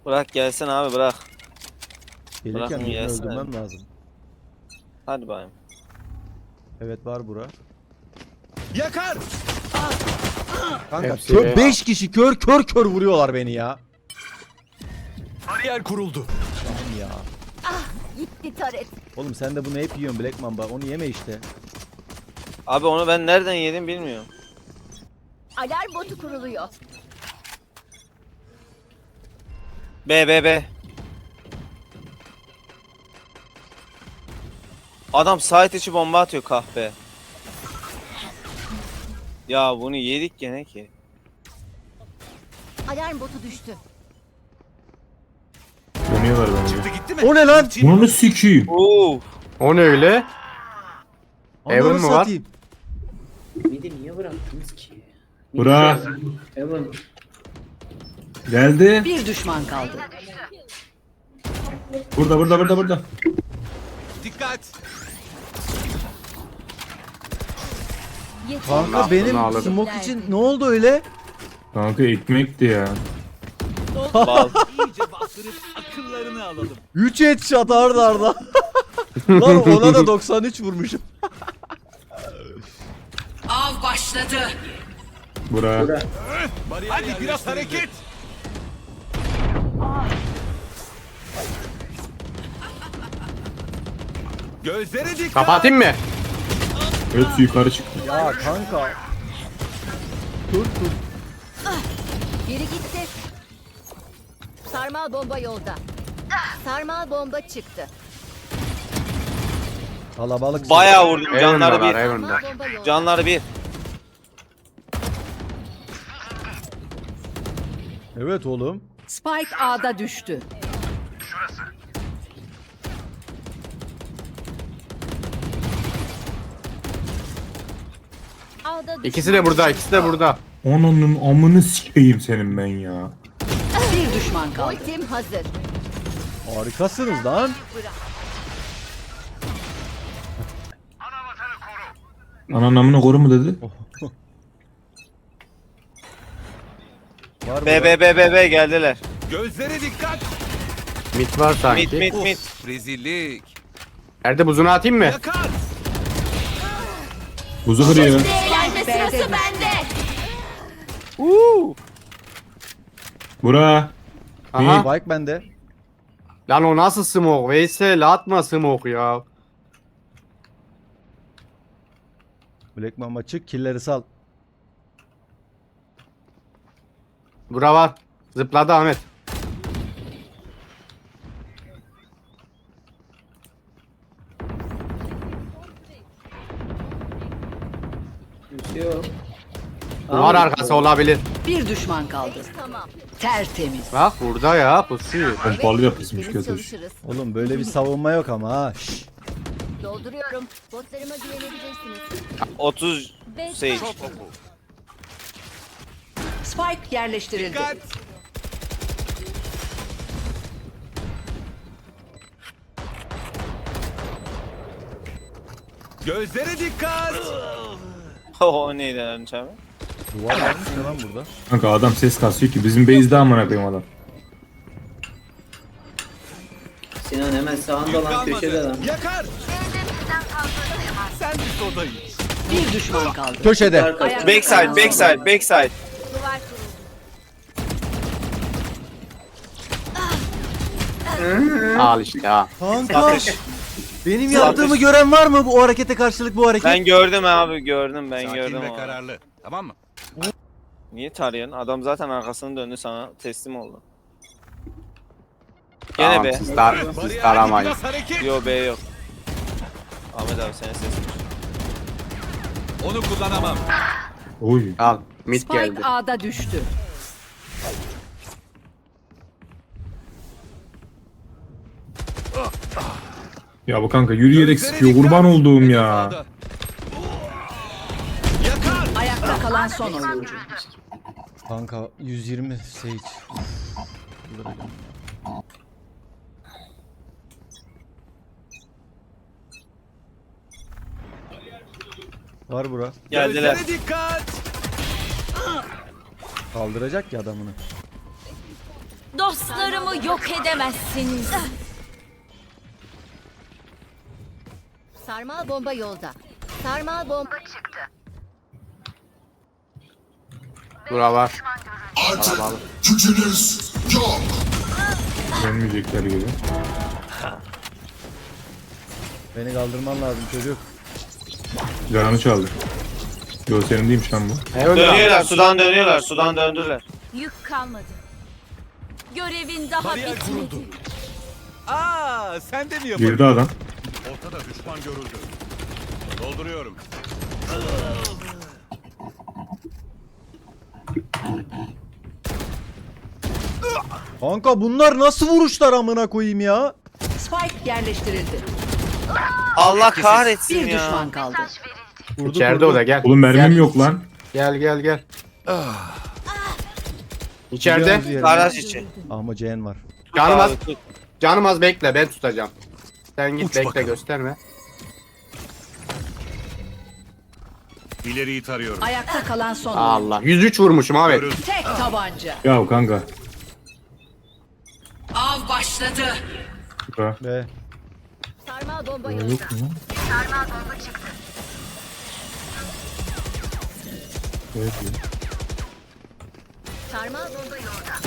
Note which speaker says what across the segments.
Speaker 1: Bırak gelsin abi bırak.
Speaker 2: Gelirken
Speaker 1: Bırakın
Speaker 2: birini
Speaker 1: gelsin.
Speaker 2: öldürmem lazım.
Speaker 1: Hadi bayım.
Speaker 2: Evet var bura.
Speaker 3: Yakar!
Speaker 2: Kanka
Speaker 4: Hepsi
Speaker 2: kör,
Speaker 4: be.
Speaker 2: 5 kişi kör vuruyorlar beni ya.
Speaker 3: Bariyer kuruldu.
Speaker 2: Tamam ya.
Speaker 5: Gitti taret.
Speaker 2: Oğlum sen de bunu hep yiyorsun Black Mamba. Onu yeme işte.
Speaker 1: Abi onu ben nereden yedim bilmiyorum.
Speaker 5: Alarm botu kuruluyor.
Speaker 1: B. Adam site içi bomba atıyor kahpe. Ya bunu yedik gene ki.
Speaker 5: Alarm botu düştü.
Speaker 6: Dönüyorlar bence.
Speaker 3: Çıktı gitti mi?
Speaker 2: O ne lan?
Speaker 6: Bunu sikiyim.
Speaker 1: Oo.
Speaker 4: O ne öyle? Evan
Speaker 2: Ananı
Speaker 4: mı var?
Speaker 2: satayım.
Speaker 7: Midi niye bıraktınız ki?
Speaker 6: Bura.
Speaker 7: Evan.
Speaker 6: Geldi.
Speaker 8: Bir düşman kaldı.
Speaker 6: Burada.
Speaker 3: Dikkat!
Speaker 5: Yeter.
Speaker 2: Kanka benim
Speaker 4: alırım.
Speaker 2: smoke için ne oldu öyle?
Speaker 6: Kanka ekmekti ya.
Speaker 1: Bal.
Speaker 3: İyice bastırıp akıllarını alalım.
Speaker 2: 3 headshot arda arda. Lan ona da 93 vurmuşum.
Speaker 8: Av başladı.
Speaker 6: Bura.
Speaker 3: Hadi biraz hareket! Gözlere dikkat!
Speaker 4: Kapatayım mı?
Speaker 6: Hepsi yukarı çıktı.
Speaker 2: Ya kanka. Dur.
Speaker 5: Biri gitti. Sarmal bomba yolda. Sarmal bomba çıktı.
Speaker 2: Kalabalık.
Speaker 1: Bayağı vurdum. Canları
Speaker 4: Evan'dalar,
Speaker 1: bir.
Speaker 4: Evan'da.
Speaker 5: Sarmal bomba yolda.
Speaker 1: Canları bir.
Speaker 2: Evet oğlum.
Speaker 8: Spike A'da düştü.
Speaker 5: Alda
Speaker 4: İkisi de burada, ikisi de burada.
Speaker 6: Onun amını sikeyim senin ben ya.
Speaker 8: Bir düşman kaldı.
Speaker 5: Ultim hazır.
Speaker 2: Harikasınız lan.
Speaker 6: Anan amını koru mu dedi?
Speaker 2: Var
Speaker 1: B geldiler.
Speaker 3: Gözlere dikkat!
Speaker 4: Mit var sanki.
Speaker 1: Mid.
Speaker 3: Of, rezillik!
Speaker 4: Nerede buzunu atayım mı?
Speaker 3: Yakar!
Speaker 6: Buzu kırıyor.
Speaker 5: Eğlence sırası bende.
Speaker 6: Bura.
Speaker 4: Aha.
Speaker 2: Spike bende.
Speaker 4: Lan o nasıl smoke? Veysel atma smoke ya.
Speaker 2: Black Mamba çık killeri sal.
Speaker 4: Bura var. Zıpladı Ahmet.
Speaker 7: Yok.
Speaker 4: Duvar arkası olabilir.
Speaker 8: Bir düşman kaldı.
Speaker 5: Tamam.
Speaker 8: Tertemiz.
Speaker 4: Bak burada ya pusuyor.
Speaker 6: Pompalı yapısmış
Speaker 5: Temiz
Speaker 6: kötü.
Speaker 5: çalışırız.
Speaker 2: Oğlum böyle bir savunma yok ama ha. Şşş.
Speaker 5: Dolduruyorum. Botlarıma güvenebilirsiniz.
Speaker 1: 30
Speaker 5: Ve
Speaker 1: Sage.
Speaker 8: Spike yerleştirildi.
Speaker 3: Dikkat! Gözlere dikkat!
Speaker 1: O neydi lan abi?
Speaker 2: Duvar varmış ya lan burada.
Speaker 6: Kanka adam ses kasıyor ki bizim base'de amına koyayım adam.
Speaker 7: Sinan hemen sağında lan köşede lan.
Speaker 3: Yakar! Sen bir soda iç.
Speaker 8: Bir düşman kaldı.
Speaker 2: Köşede.
Speaker 7: Arkası.
Speaker 1: Backside.
Speaker 5: duvar kuruldu.
Speaker 4: Al işte ha.
Speaker 2: Kanka.
Speaker 1: Atış.
Speaker 2: Benim yaptığımı gören var mı bu harekete karşılık bu hareket?
Speaker 1: Ben gördüm abi gördüm ben
Speaker 3: Sakin
Speaker 1: gördüm
Speaker 3: ve
Speaker 1: onu.
Speaker 3: kararlı. Tamam mı?
Speaker 1: Niye tarıyorsun? Adam zaten arkasını döndü sana teslim oldu. Gene
Speaker 4: Tamam,
Speaker 1: be.
Speaker 4: siz
Speaker 3: Bariyerdeki
Speaker 4: taramayın.
Speaker 3: biraz hareket!
Speaker 1: Yo B yok. Ahmet abi senin sesin.
Speaker 3: Onu kullanamam.
Speaker 6: Oy.
Speaker 4: Al. Mit
Speaker 8: Spike
Speaker 4: geldi.
Speaker 8: A'da düştü.
Speaker 6: Ya bu kanka yürüyerek
Speaker 3: Gözlere
Speaker 6: sıkıyor
Speaker 3: dikkat!
Speaker 6: kurban olduğum ya.
Speaker 3: Sağda. Yakar!
Speaker 8: Ayakta kalan son oyuncu.
Speaker 2: Kanka 120 Sage. Var bura.
Speaker 1: Geldiler.
Speaker 3: Gözlere dikkat!
Speaker 2: Kaldıracak ya adamını.
Speaker 5: Dostlarımı yok edemezsiniz. Sarmal bomba yolda. Sarmal bomba çıktı.
Speaker 4: Bura var. Kalabalık.
Speaker 6: Dönmeyecekler gibi.
Speaker 2: Beni kaldırman lazım çocuk.
Speaker 6: Canı çaldı. Yo senin değilmiş lan bu.
Speaker 4: Evet,
Speaker 1: Dönüyorlar, sudan dönüyorlar, sudan döndüler.
Speaker 5: Yük kalmadı. Görevin daha
Speaker 3: Bariyer kuruldu.
Speaker 5: bitmedi.
Speaker 3: Aa, sen de mi yapıyorsun?
Speaker 6: Girdi adam.
Speaker 3: Ortada düşman görüldü. Dolduruyorum.
Speaker 2: Kanka bunlar nasıl vuruşlar amına koyayım ya?
Speaker 8: Spike yerleştirildi.
Speaker 1: Allah kahretsin
Speaker 8: Bir
Speaker 1: ya.
Speaker 8: düşman kaldı.
Speaker 2: Vurdu,
Speaker 4: İçeride
Speaker 2: vurdu.
Speaker 4: o da gel.
Speaker 6: Oğlum mermim yok lan.
Speaker 4: Gel. İçeride.
Speaker 2: Biliyorsunuz yerini.
Speaker 1: Garaj içi.
Speaker 2: Ama Cen var.
Speaker 4: Canım az,
Speaker 1: Abi, tut.
Speaker 4: canım az bekle, ben tutacağım. Sen git
Speaker 3: Uç
Speaker 4: bekle,
Speaker 3: bakalım.
Speaker 4: gösterme.
Speaker 3: İleriyi tarıyorum.
Speaker 8: Ayakta kalan son oyuncu.
Speaker 4: Allah. 103 vurmuşum abi.
Speaker 3: Görüldü.
Speaker 8: Tek tabanca.
Speaker 6: Ya kanka.
Speaker 8: Av başladı.
Speaker 6: Ha.
Speaker 2: Ve
Speaker 5: Sarmal bomba
Speaker 6: Yok
Speaker 5: yolda.
Speaker 6: mu?
Speaker 5: Sarmal bomba çıktı.
Speaker 6: Evet. ya.
Speaker 5: Sarmal bomba yolda.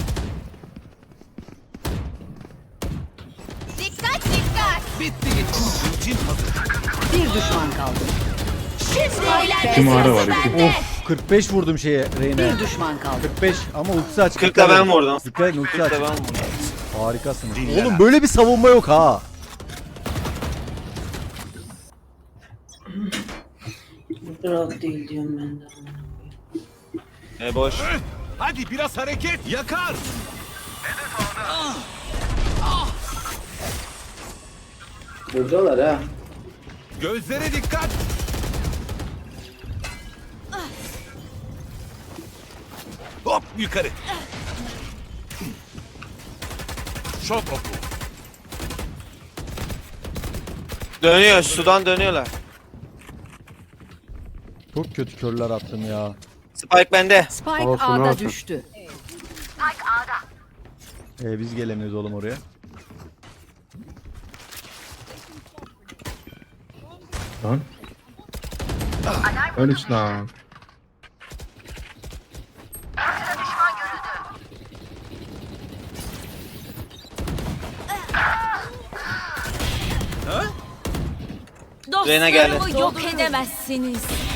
Speaker 5: Dikkat dikkat.
Speaker 3: Bitti gitti. Ultim hazır.
Speaker 8: Bir düşman kaldı.
Speaker 5: Şimdi
Speaker 6: İki
Speaker 5: eğlenme
Speaker 6: mağara var,
Speaker 5: sırası
Speaker 6: iki.
Speaker 5: bende.
Speaker 2: of 45 vurdum şeye Reyne.
Speaker 8: Bir düşman kaldı.
Speaker 2: 45 ama ultisi aç.
Speaker 1: 40'la ben vurdum.
Speaker 2: Dikkat edin ultisi aç.
Speaker 1: 40'la ben vurdum.
Speaker 2: Harikasınız.
Speaker 3: Dinle
Speaker 2: Oğlum
Speaker 3: lan.
Speaker 2: böyle bir savunma yok ha.
Speaker 7: Rahat değil diyorum ben de.
Speaker 1: Boş.
Speaker 3: Hadi biraz hareket. Yakar.
Speaker 7: Buradalar ha.
Speaker 3: Gözlere dikkat. Hop yukarı. Şok oku.
Speaker 1: Dönüyor, sudan dönüyorlar.
Speaker 2: Çok kötü körler attım ya.
Speaker 1: Spike bende.
Speaker 8: Spike
Speaker 4: Olsun,
Speaker 8: A'da
Speaker 4: olsun.
Speaker 8: düştü.
Speaker 2: Biz gelemiyoruz oğlum oraya.
Speaker 6: Lan. Öyle işte lan.
Speaker 1: Reyna geldi.
Speaker 5: Dostlarımı yok edemezsiniz.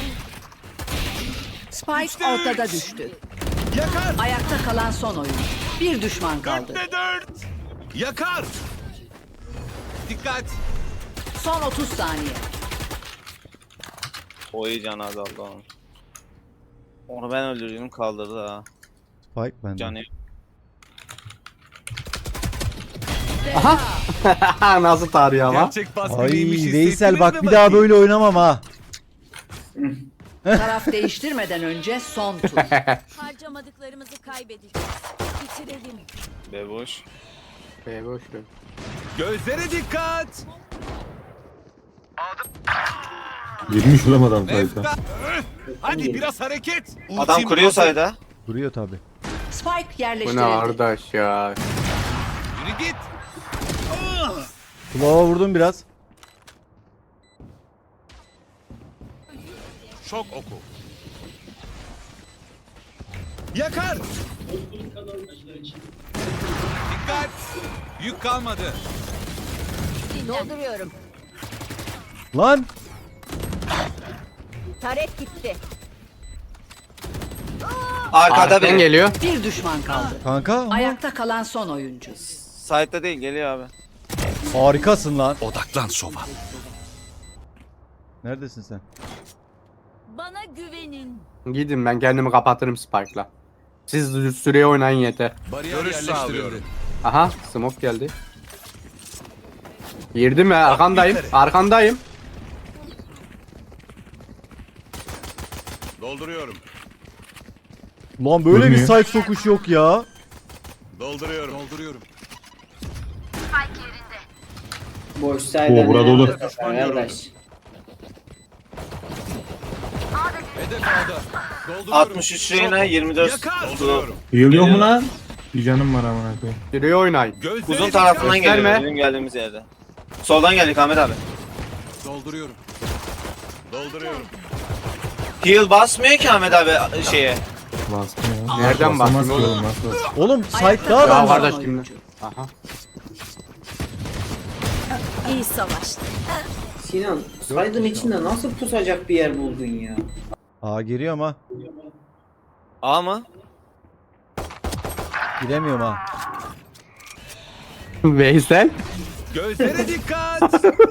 Speaker 8: Spike ortada düştü.
Speaker 3: Yakar.
Speaker 8: Ayakta kalan son oyuncu. Bir düşman kaldı.
Speaker 3: 4'te 4. Yakar. Dikkat.
Speaker 8: Son 30 saniye.
Speaker 1: O iyi can azaldı onun. Onu ben öldürdüm kaldırdı ha.
Speaker 2: Spike bende.
Speaker 1: Canı yok.
Speaker 4: Nasıl tarıyor ama?
Speaker 3: Gerçek baskı
Speaker 2: Ay
Speaker 3: neymiş
Speaker 2: Veysel
Speaker 3: hissettiniz
Speaker 2: bak
Speaker 3: mi
Speaker 2: bir daha
Speaker 3: bakayım?
Speaker 2: böyle oynamam ha.
Speaker 8: Taraf değiştirmeden önce son tur.
Speaker 5: Harcamadıklarımızı kaybedeceğiz. Bitirelim.
Speaker 1: Boş.
Speaker 4: Boş ver.
Speaker 3: Gözlere dikkat.
Speaker 6: Girmiş ulan adam sayıda.
Speaker 3: Nefta. Hadi biraz hareket.
Speaker 1: Adam
Speaker 3: Ultim
Speaker 1: kuruyor
Speaker 3: hazır.
Speaker 1: sayda.
Speaker 2: Duruyor tabi.
Speaker 8: Spike
Speaker 4: Bu ne
Speaker 8: yerleştirildi.
Speaker 4: arkadaş ya?
Speaker 3: Yürü git.
Speaker 2: Kulağıma vurdum biraz.
Speaker 3: Şok oku. Yakar. Dikkat. Yük kalmadı.
Speaker 5: Dolduruyorum.
Speaker 2: Lan.
Speaker 5: Taret gitti.
Speaker 1: Arkada
Speaker 4: Arkadan
Speaker 1: biri.
Speaker 4: geliyor.
Speaker 8: Bir düşman kaldı.
Speaker 2: Kanka ama
Speaker 8: Ayakta kalan son oyuncu.
Speaker 1: Side'da değil geliyor abi.
Speaker 2: harikasın lan.
Speaker 3: Odaklan Sova.
Speaker 2: Neredesin sen?
Speaker 5: Bana güvenin.
Speaker 4: Gidin, ben kendimi kapatırım Spike'la. Siz süreye oynayın yeter.
Speaker 3: Bariyer yerleştirildi.
Speaker 4: Aha, smoke geldi. Girdim ya, arkandayım.
Speaker 3: yukarı.
Speaker 4: Arkandayım.
Speaker 3: Dolduruyorum.
Speaker 2: Lan böyle bir
Speaker 6: Ölmüyor.
Speaker 2: side sokuş yok ya.
Speaker 3: Dolduruyorum. Dolduruyorum.
Speaker 7: Boş saydan.
Speaker 6: Oo, burada dolu.
Speaker 7: Arkadaş.
Speaker 3: Hedef A'da. Dolduruyorum.
Speaker 1: 63 Reyna 24.
Speaker 3: Yakar.
Speaker 1: Dolduruyorum.
Speaker 3: Dolduruyorum.
Speaker 6: Heal yok mu lan? Bir canım var amına koyayım.
Speaker 4: Sürüye oynayın.
Speaker 3: Gözlere
Speaker 1: Uzun
Speaker 3: dikkat.
Speaker 1: tarafından geliyor
Speaker 4: Gösterme.
Speaker 1: bizim geldiğimiz yerde. Soldan geldik Ahmet abi.
Speaker 3: Dolduruyorum. Dolduruyorum.
Speaker 1: Heal basmıyor ki Ahmet abi şeye.
Speaker 6: Bastım ya.
Speaker 4: Nereden
Speaker 6: Basamaz
Speaker 4: bastın
Speaker 6: ki
Speaker 4: oğlum?
Speaker 6: oğlum nasıl bastın?
Speaker 2: Oğlum
Speaker 8: Ayakta
Speaker 2: site'da
Speaker 8: kalan
Speaker 2: adam
Speaker 4: Ya
Speaker 2: var.
Speaker 4: kardeş
Speaker 8: son
Speaker 4: şimdi.
Speaker 8: oyuncu.
Speaker 4: Aha.
Speaker 5: İyi savaştı.
Speaker 7: Sinan, saydığın içinde nasıl pusacak bir yer buldun ya?
Speaker 2: Aa giriyor ama
Speaker 1: A mı?
Speaker 2: giremiyorum ha.
Speaker 4: Veysel.
Speaker 3: Gözlere dikkat.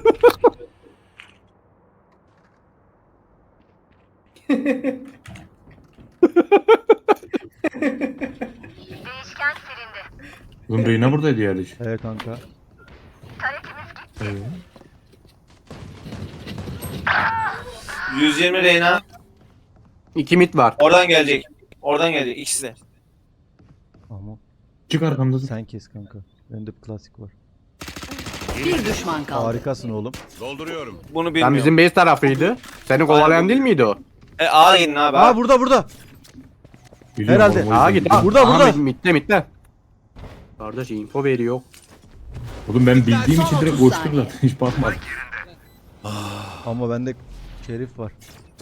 Speaker 6: Oğlum Reyna buradaydı ya diş.
Speaker 2: Evet kanka.
Speaker 6: Evet.
Speaker 1: 120 Reyna.
Speaker 4: 2 mit var.
Speaker 1: Oradan gelecek. Oradan gelecek ikisi de.
Speaker 2: Ama
Speaker 6: Çık arkamda.
Speaker 2: sen kes kanka. Bende bir klasik var.
Speaker 8: Bir düşman kaldı.
Speaker 2: Harikasın oğlum.
Speaker 3: Dolduruyorum.
Speaker 1: Bunu
Speaker 4: Lan
Speaker 1: bilmiyorum.
Speaker 4: bizim base tarafıydı. Seni kovalayan değil miydi o?
Speaker 1: A gidin abi.
Speaker 2: Aa burada.
Speaker 6: Biliyorum
Speaker 2: Herhalde.
Speaker 6: oğlum, o
Speaker 4: Aa
Speaker 6: yüzden.
Speaker 4: git.
Speaker 2: Burada.
Speaker 4: Mitte. Kardeş info veriyor.
Speaker 6: Oğlum ben bildiğim
Speaker 8: Son
Speaker 6: için direkt
Speaker 8: 30
Speaker 6: koştum
Speaker 8: saniye.
Speaker 6: zaten. Hiç bakmadım.
Speaker 2: Ama bende şerif var.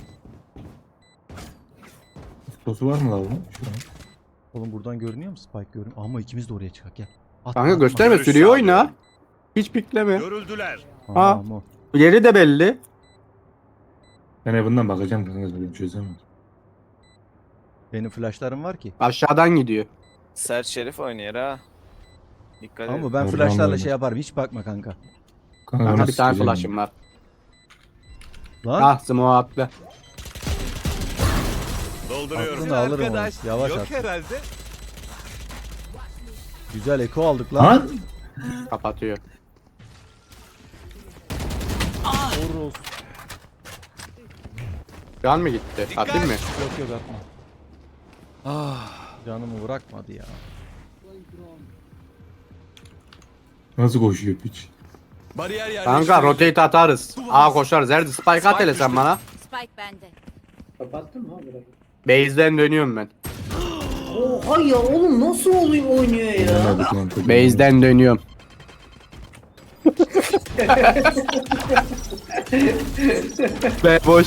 Speaker 6: Sosu var mı lan bunun? Şu an.
Speaker 2: Oğlum buradan görünüyor mu Spike görünüyor? Ama ikimiz de oraya çıkak gel. Atma,
Speaker 4: Kanka
Speaker 2: atma.
Speaker 4: gösterme
Speaker 3: Görüş
Speaker 4: sürüye
Speaker 3: sağlıyorum.
Speaker 4: oyna. Hiç pikleme.
Speaker 3: Görüldüler.
Speaker 2: Aa,
Speaker 4: Ha.
Speaker 2: ama.
Speaker 4: Yeri de belli.
Speaker 6: Ben evından bakacağım kanka zaten çözemedim.
Speaker 2: Benim flashlarım var ki.
Speaker 4: Aşağıdan gidiyor.
Speaker 1: Sert Şerif oynuyor ha. Dikkat edin.
Speaker 2: Ama ben
Speaker 6: Oradan
Speaker 2: flashlarla
Speaker 6: böyle.
Speaker 2: şey yaparım. Hiç bakma kanka.
Speaker 6: Kanka,
Speaker 4: Kanka
Speaker 6: nasıl
Speaker 4: bir tane
Speaker 6: sikeceğim
Speaker 4: flash'ım var.
Speaker 2: Lan
Speaker 4: Ah smoke attı.
Speaker 3: Dolduruyorum.
Speaker 2: aklını alırım onu. Yavaş
Speaker 3: Yok
Speaker 2: at.
Speaker 3: herhalde.
Speaker 2: Güzel eko aldık
Speaker 6: ya?
Speaker 2: lan.
Speaker 6: Lan!
Speaker 4: Kapatıyor.
Speaker 2: Vururuz.
Speaker 4: Can mı gitti?
Speaker 3: Dikkat.
Speaker 4: Atayım mı?
Speaker 2: Yok atma. Canımı bırakmadı ya.
Speaker 6: Nasıl koşuyor piç?
Speaker 3: Bariyer yerleştirildi.
Speaker 4: Kanka rotate atarız. A koşarız. Erdi spike at hele sen bana.
Speaker 5: Spike bende.
Speaker 7: Kapattın mı abi?
Speaker 4: Base'den dönüyorum ben.
Speaker 7: Oha ya oğlum nasıl oluyor oynuyor ya?
Speaker 6: Denemedik lan.
Speaker 4: Base'den dönüyorum. Be boş.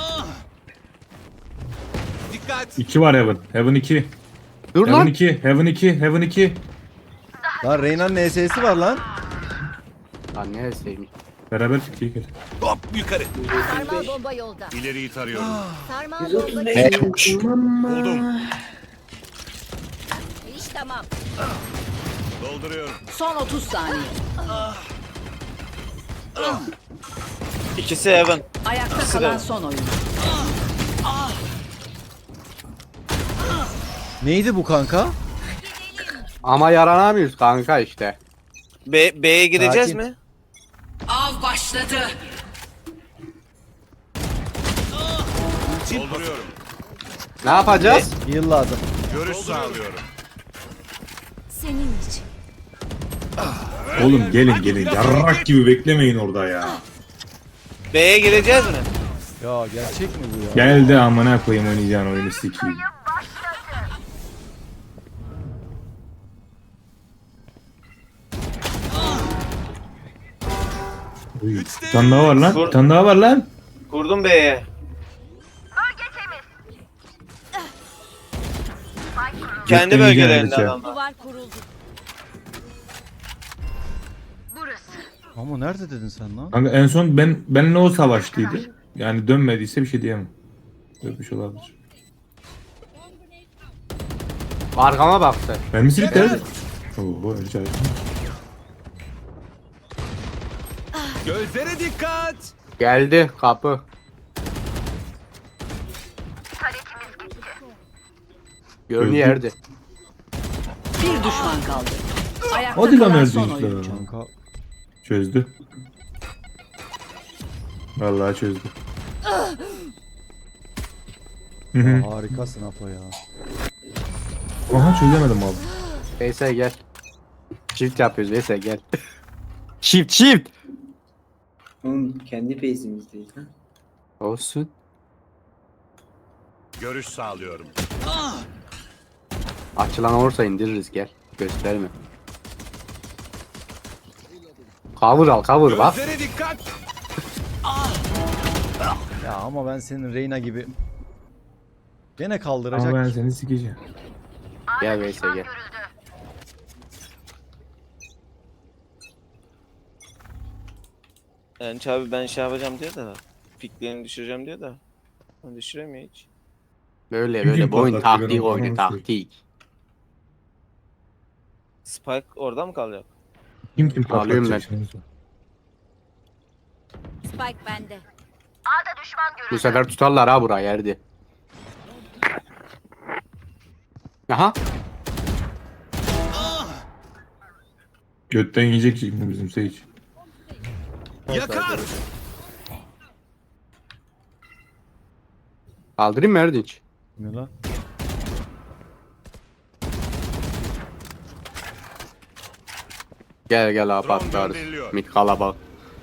Speaker 3: Dikkat.
Speaker 6: 2 var Heaven. Heaven 2.
Speaker 4: Dur
Speaker 6: Heaven
Speaker 4: lan.
Speaker 6: 2. Heaven 2. Heaven 2.
Speaker 2: Lan Reyna'nın NS'si var lan.
Speaker 4: Lan neresiymiş?
Speaker 6: Beraber fikri gel.
Speaker 3: Hop yukarı.
Speaker 5: Sarmal bomba yolda.
Speaker 3: İleriyi tarıyorum.
Speaker 5: Sarmal bomba
Speaker 7: 135
Speaker 3: Buldum.
Speaker 5: iş tamam.
Speaker 3: Dolduruyorum.
Speaker 8: Son 30 saniye.
Speaker 1: İkisi Heaven.
Speaker 8: Ayakta
Speaker 1: İkisi
Speaker 8: kalan
Speaker 1: de.
Speaker 8: son oyuncu.
Speaker 2: Neydi bu kanka?
Speaker 4: Ama yaranamıyoruz kanka işte.
Speaker 1: B'ye gireceğiz
Speaker 2: Sakin.
Speaker 1: mi?
Speaker 8: Av başladı.
Speaker 3: Dolduruyorum.
Speaker 4: Ne yapacağız?
Speaker 2: Heal lazım.
Speaker 3: Görüş sağlıyorum.
Speaker 5: Senin için.
Speaker 6: Oğlum gelin. Yarrak gibi beklemeyin orada ya.
Speaker 1: B'ye gireceğiz mi?
Speaker 2: Ya gerçek mi bu ya?
Speaker 6: Geldi amına koyayım oynayacağın oyunu sikeyim. Uy, bir tane daha var lan. Bir tane daha var lan.
Speaker 1: Kurdum B'ye. Kendi
Speaker 6: Beklemeyeceğim
Speaker 1: bölgelerinde
Speaker 6: Alice.
Speaker 1: adamlar.
Speaker 5: Duvar kuruldu.
Speaker 2: Ama nerede dedin sen lan?
Speaker 6: Kanka en son benle o savaştıydı. Yani dönmediyse bir şey diyemem. Dönmüş olabilir.
Speaker 4: Arkama baktı.
Speaker 6: Mermisi bitti herhalde. Oho rica ederim.
Speaker 3: Gözlere dikkat.
Speaker 4: Geldi kapı. Görünüyor Erdi.
Speaker 8: Bir düşman kaldı. Ayakta
Speaker 6: Hadi lan
Speaker 8: kalan son
Speaker 6: Erdi
Speaker 8: oyuncu.
Speaker 6: işte.
Speaker 2: Kanka
Speaker 6: Çözdü. Vallahi çözdü. Hı hı.
Speaker 2: harikasın Apo ya.
Speaker 6: Aha çözemedim abi.
Speaker 4: Veysel gel. Shift yapıyoruz Veysel gel. Shift.
Speaker 7: Oğlum kendi base'imizdeyiz ha.
Speaker 4: Olsun.
Speaker 3: Görüş sağlıyorum.
Speaker 4: Açılan olursa indiririz gel. Gösterme. Cover al cover bak.
Speaker 3: Gözlere dikkat.
Speaker 2: Ya ama ben senin Reyna gibi. Gene kaldıracak.
Speaker 6: Ama ben seni sikeceğim.
Speaker 4: Gel Veysel gel.
Speaker 1: Yani abi ben şey yapacağım diye de. Piklerini düşüreceğim diye de. Ben düşüremiyor hiç.
Speaker 4: Böyle
Speaker 6: Kim
Speaker 4: böyle bu oyun
Speaker 6: patlattı, ben
Speaker 4: taktik
Speaker 6: onu
Speaker 4: oyunu
Speaker 6: anlamadım.
Speaker 4: taktik.
Speaker 1: Spike orada mı kalacak?
Speaker 6: Kim
Speaker 4: Alıyorum
Speaker 6: patlatacak şimdi?
Speaker 5: Spike bende.
Speaker 4: Bu sefer tutarlar ha burayı yerdi. Aha.
Speaker 6: Götten yiyecek şimdi bizim Sage.
Speaker 3: Yakar.
Speaker 4: Kaldırayım mı Erdinç?
Speaker 2: Ne lan?
Speaker 4: Gel gel
Speaker 3: Drone
Speaker 4: apatlarız.
Speaker 3: gönderiliyor.
Speaker 4: Mid kalabalık.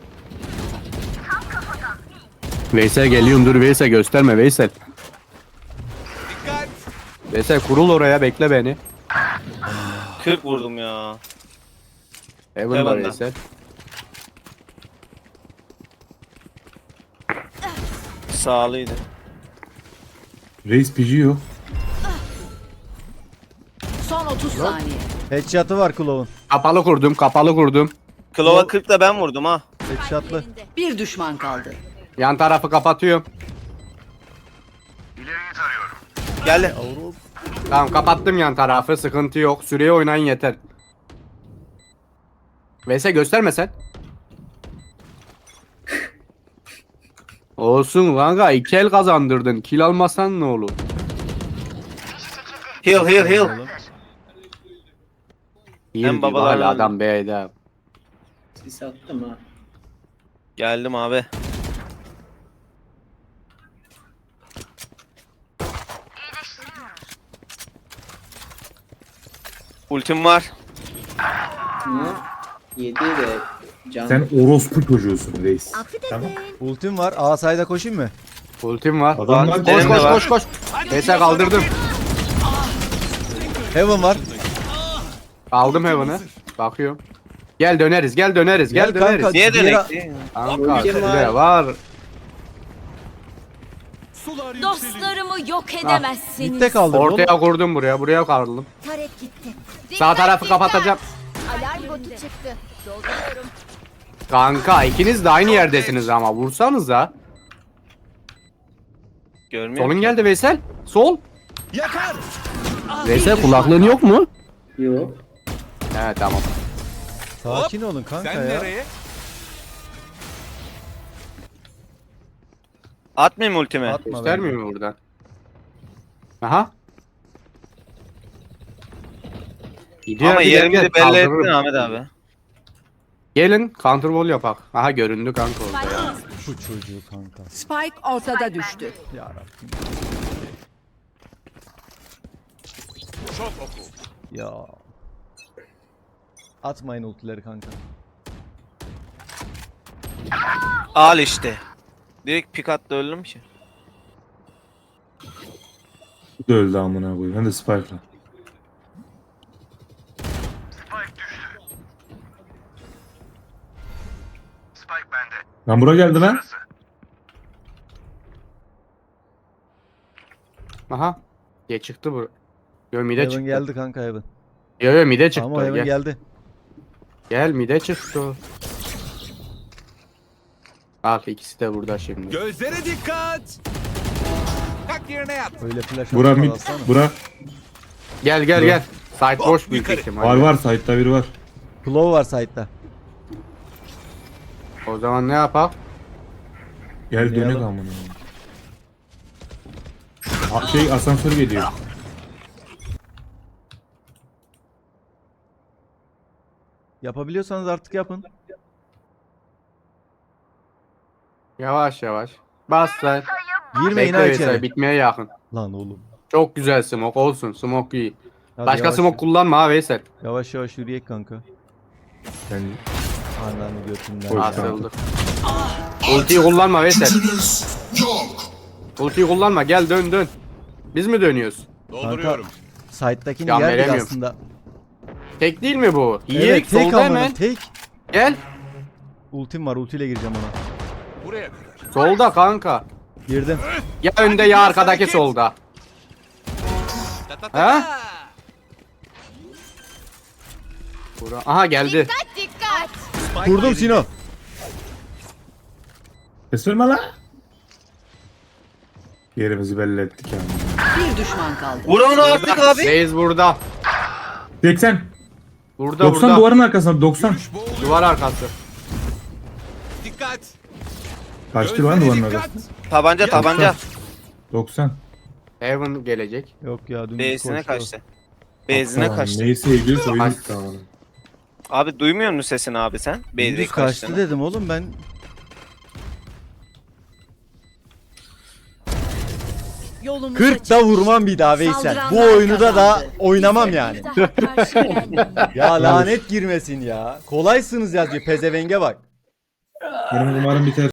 Speaker 4: Veysel geliyorum dur Veysel gösterme Veysel.
Speaker 3: Dikkat.
Speaker 4: Veysel kurul oraya bekle beni.
Speaker 1: 40 vurdum ya.
Speaker 4: Heaven var
Speaker 1: Heaven'da.
Speaker 4: Veysel.
Speaker 1: Sağlıydı.
Speaker 6: Reis PG yok.
Speaker 8: Son 30 saniye.
Speaker 2: Headshot'ı var Claw'un.
Speaker 4: Kapalı kurdum kapalı kurdum.
Speaker 1: Klova 40 da ben vurdum ha.
Speaker 2: Headshot'lı.
Speaker 5: Yerinde.
Speaker 8: Bir düşman kaldı.
Speaker 4: Yan tarafı kapatıyorum.
Speaker 1: Gel.
Speaker 4: Tamam kapattım yan tarafı sıkıntı yok. Süreye oynayın yeter. Veysel gösterme sen. Olsun kanka 2 el kazandırdın. Kill almasan ne olur?
Speaker 1: Heal heal heal.
Speaker 4: İyi
Speaker 1: Hem
Speaker 4: diyor,
Speaker 1: babalar-
Speaker 4: hala adam B'de.
Speaker 7: Sis attım ha.
Speaker 1: Geldim abi. Ultim var.
Speaker 7: Hı? 7 de can.
Speaker 6: Sen orospu çocuğusun Reis.
Speaker 5: Affedin.
Speaker 6: Tamam.
Speaker 2: Ultim var. A side'a koşayım mı?
Speaker 4: Ultim var.
Speaker 6: Adamlar
Speaker 4: Koş
Speaker 1: benim de
Speaker 4: koş
Speaker 1: var.
Speaker 4: koş koş. Veysel kaldırdım.
Speaker 2: Heaven var.
Speaker 4: Aldım Heaven'ı. Bakıyorum. Gel döneriz gel döneriz gel
Speaker 2: Gel
Speaker 4: döneriz.
Speaker 2: kanka.
Speaker 1: Niye
Speaker 2: Diğer-
Speaker 1: dönek?
Speaker 4: Kanka
Speaker 7: Ultim
Speaker 4: şuraya var.
Speaker 3: Sular yükseliyor.
Speaker 5: Dostlarımı yok edemezsiniz.
Speaker 2: Mitte kaldı.
Speaker 4: Ortaya kurdum buraya kaldırdım.
Speaker 5: Taret gitti.
Speaker 4: Sağ tarafı kapatacağım.
Speaker 5: Alarm botu çıktı. Dolduruyorum.
Speaker 4: Kanka ikiniz de aynı yerdesiniz ama vursanız ha.
Speaker 1: Görmüyor
Speaker 4: Solun
Speaker 1: ki.
Speaker 4: geldi Veysel. Sol.
Speaker 3: Yakar.
Speaker 4: Veysel kulaklığın yok mu?
Speaker 7: Yok.
Speaker 4: He tamam.
Speaker 2: Sakin olun kanka
Speaker 3: Sen
Speaker 2: ya.
Speaker 3: nereye?
Speaker 1: Atmayayım ultimi.
Speaker 2: Atma
Speaker 4: Göstermiyor mu buradan? Aha. Gidiyor
Speaker 1: Ama
Speaker 4: bir
Speaker 1: yerimi
Speaker 4: gel,
Speaker 1: de belli
Speaker 4: kaldırırım.
Speaker 1: ettin Ahmet abi.
Speaker 4: Gelin counter wall yapak. Aha göründü kanka orada ya.
Speaker 2: Bu çocuğu kanka.
Speaker 8: Spike ortada düştü.
Speaker 2: Yarabbim.
Speaker 3: Çok oku.
Speaker 2: Ya. Atmayın ultileri kanka.
Speaker 1: Al işte. Direkt pik attı öldüm ki.
Speaker 6: Bu da öldü amına koyayım. Ben de Spike'la. Lan bura geldi lan.
Speaker 4: Aha. Diye çıktı bu. Yo mide
Speaker 2: Heaven
Speaker 4: çıktı.
Speaker 2: geldi kanka Heaven.
Speaker 4: Yo mide çıktı.
Speaker 2: Ama Heaven
Speaker 4: Gel.
Speaker 2: geldi.
Speaker 4: Gel mide çıktı. Bak ikisi de burada şimdi.
Speaker 3: Gözlere dikkat. Kalk yerine yat.
Speaker 2: Öyle flash
Speaker 6: Bura
Speaker 2: atma
Speaker 6: mid.
Speaker 2: alsana.
Speaker 6: Bura.
Speaker 4: Gel gel gel. Side boş büyük
Speaker 3: yukarı.
Speaker 4: ihtimal.
Speaker 6: Var var. Side'da biri var.
Speaker 2: Claw var side'da.
Speaker 4: O zaman ne yapak?
Speaker 6: Gel
Speaker 2: Ne
Speaker 6: dönek
Speaker 2: yalan?
Speaker 6: amına koyayım. Şey asansör geliyor.
Speaker 2: Yapabiliyorsanız artık yapın.
Speaker 4: Yavaş yavaş. Bas sen.
Speaker 2: Girmeyin
Speaker 4: Bekle
Speaker 2: ha
Speaker 4: Veysel,
Speaker 2: içeri.
Speaker 4: bitmeye yakın.
Speaker 2: Lan oğlum.
Speaker 4: Çok güzel smoke olsun. Smoke iyi.
Speaker 2: Hadi
Speaker 4: Başka
Speaker 2: yavaş,
Speaker 4: smoke kullanma ha Veysel.
Speaker 2: Yavaş yavaş yürüyek kanka.
Speaker 6: Yani
Speaker 2: Ananı götünden.
Speaker 6: Koy
Speaker 2: ya.
Speaker 4: Asıldı. Ultiyi kullanma Veysel. Ultiyi kullanma gel dön dön. Biz mi dönüyoruz?
Speaker 3: Dolduruyorum.
Speaker 2: Side'dakini
Speaker 4: Can
Speaker 2: yerdik
Speaker 4: veremiyorum.
Speaker 2: aslında.
Speaker 4: Tek değil mi bu? İyi,
Speaker 2: Evet tek
Speaker 4: solda
Speaker 2: amına
Speaker 4: hemen.
Speaker 2: tek.
Speaker 4: Gel.
Speaker 2: Ultim var ultiyle gireceğim ona.
Speaker 3: Buraya kadar.
Speaker 4: Solda kanka.
Speaker 2: Girdim.
Speaker 4: Ya önde ya arkadaki solda.
Speaker 3: Ta ta ta
Speaker 4: Ha?
Speaker 3: ta.
Speaker 4: Aha geldi.
Speaker 5: Dikkat.
Speaker 2: Vurdum Sino.
Speaker 6: Ses verme lan. Yerimizi belli ettik yani.
Speaker 8: Bir düşman kaldı.
Speaker 1: Vur onu artık abi.
Speaker 4: Reis burada.
Speaker 6: 80.
Speaker 4: Burada
Speaker 6: 90
Speaker 4: burada.
Speaker 6: duvarın arkasında 90.
Speaker 3: Boğuluyor.
Speaker 4: Duvar arkası.
Speaker 3: Dikkat.
Speaker 6: Kaçtı lan
Speaker 3: Gözlere
Speaker 6: duvarın
Speaker 3: dikkat.
Speaker 6: arkasında.
Speaker 1: Tabanca tabanca.
Speaker 6: 90.
Speaker 4: Heaven gelecek.
Speaker 2: Yok ya dümdüz
Speaker 1: B'sine
Speaker 2: koştu.
Speaker 1: kaçtı. B'sine
Speaker 6: Tamam,
Speaker 1: kaçtı.
Speaker 6: Neyse ilgili oyun
Speaker 4: Kaç-
Speaker 6: bitti tamam.
Speaker 1: Abi duymuyor musun sesini abi sen? B'de
Speaker 2: Dümdüz kaçtı
Speaker 1: kaçtığını.
Speaker 2: dedim oğlum ben.
Speaker 5: Yolumuz
Speaker 2: 40 da vurmam bir daha Veysel. Bu
Speaker 8: Saldıranlar
Speaker 2: oyunu da
Speaker 8: kazandı.
Speaker 2: oynamam yani.
Speaker 5: Daha karşı gelmeyin.
Speaker 2: Ya lanet girmesin ya. Kolaysınız yazıyor pezevenge bak.
Speaker 6: Benim umarım biter.